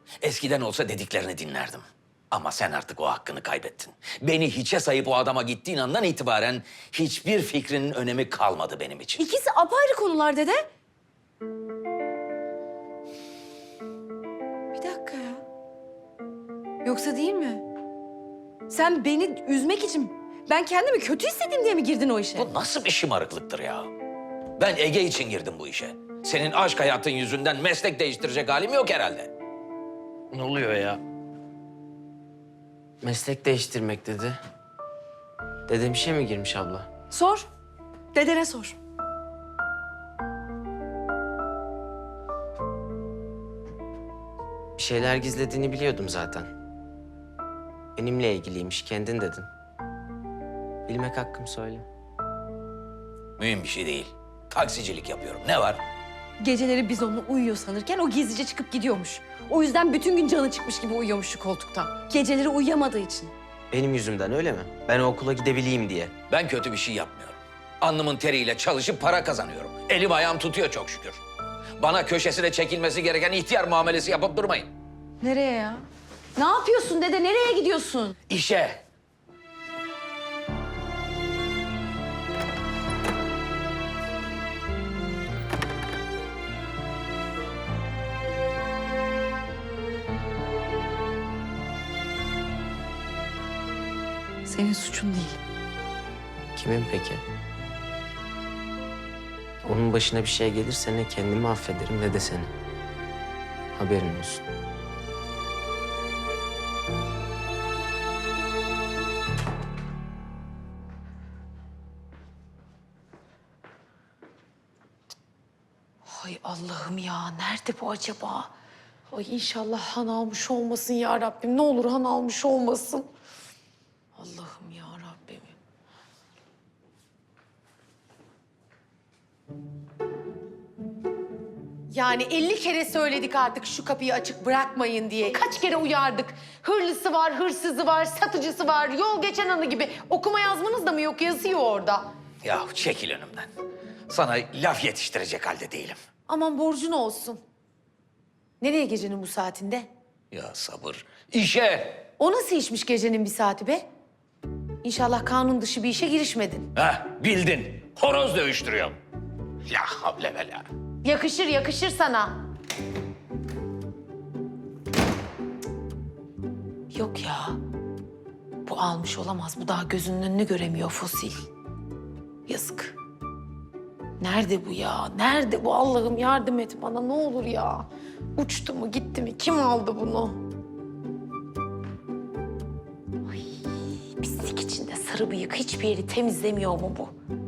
Eskiden olsa dediklerini dinlerdim. Ama sen artık o hakkını kaybettin. Beni hiçe sayıp o adama gittiğin andan itibaren hiçbir fikrinin önemi kalmadı benim için. İkisi apayrı konular dede. Bir dakika ya. Yoksa değil mi? Sen beni üzmek için, ben kendimi kötü hissedeyim diye mi girdin o işe? Bu nasıl bir şımarıklıktır ya? Ben Ege için girdim bu işe. Senin aşk hayatın yüzünden meslek değiştirecek halim yok herhalde. Ne oluyor ya? Meslek değiştirmek dedi. Dedem işe mi girmiş abla? Sor. Dedene sor. Bir şeyler gizlediğini biliyordum zaten. Benimle ilgiliymiş, kendin dedin. Bilmek hakkım, söyle. Mühim bir şey değil. Taksicilik yapıyorum. Ne var? Geceleri biz onunla uyuyor sanırken o gizlice çıkıp gidiyormuş. O yüzden bütün gün canı çıkmış gibi uyuyormuş şu koltukta. Geceleri uyuyamadığı için. Benim yüzümden öyle mi? Ben o okula gidebileyim diye. Ben kötü bir şey yapmıyorum. Alnımın teriyle çalışıp para kazanıyorum. Elim ayağım tutuyor çok şükür. Bana köşesine çekilmesi gereken ihtiyar muamelesi yapıp durmayın. Nereye ya? Ne yapıyorsun dede? Nereye gidiyorsun? İşe. Senin suçun değil. Kimin peki? Onun başına bir şey gelirse ne kendimi affederim ne de seni. Haberin olsun. Ay Allah'ım ya, nerede bu acaba? Ay inşallah Han almış olmasın ya Rabbim. Ne olur Han almış olmasın. Allah'ım ya Rabbim. Yani 50 kere söyledik artık şu kapıyı açık bırakmayın diye. Kaç kere uyardık. Hırlısı var, hırsızı var, satıcısı var, yol geçen anı gibi. Okuma yazmanız da mı yok? Yazıyor orada. Yahu çekil önümden. Sana laf yetiştirecek halde değilim. Aman borcun olsun. Nereye gecenin bu saatinde? Ya sabır. İşe. O nasıl işmiş gecenin bir saati be? İnşallah kanun dışı bir işe girişmedin. Heh, bildin. Horoz dövüştürüyorum. La havle ve la. Yakışır, yakışır sana. Yok ya. Bu almış olamaz. Bu daha gözünün önünü göremiyor fosil. Yazık. Nerede bu ya? Nerede bu? Allah'ım yardım et bana ne olur ya. Uçtu mu gitti mi? Kim aldı bunu? Ay, pislik içinde sarı bıyık hiçbir yeri temizlemiyor mu bu?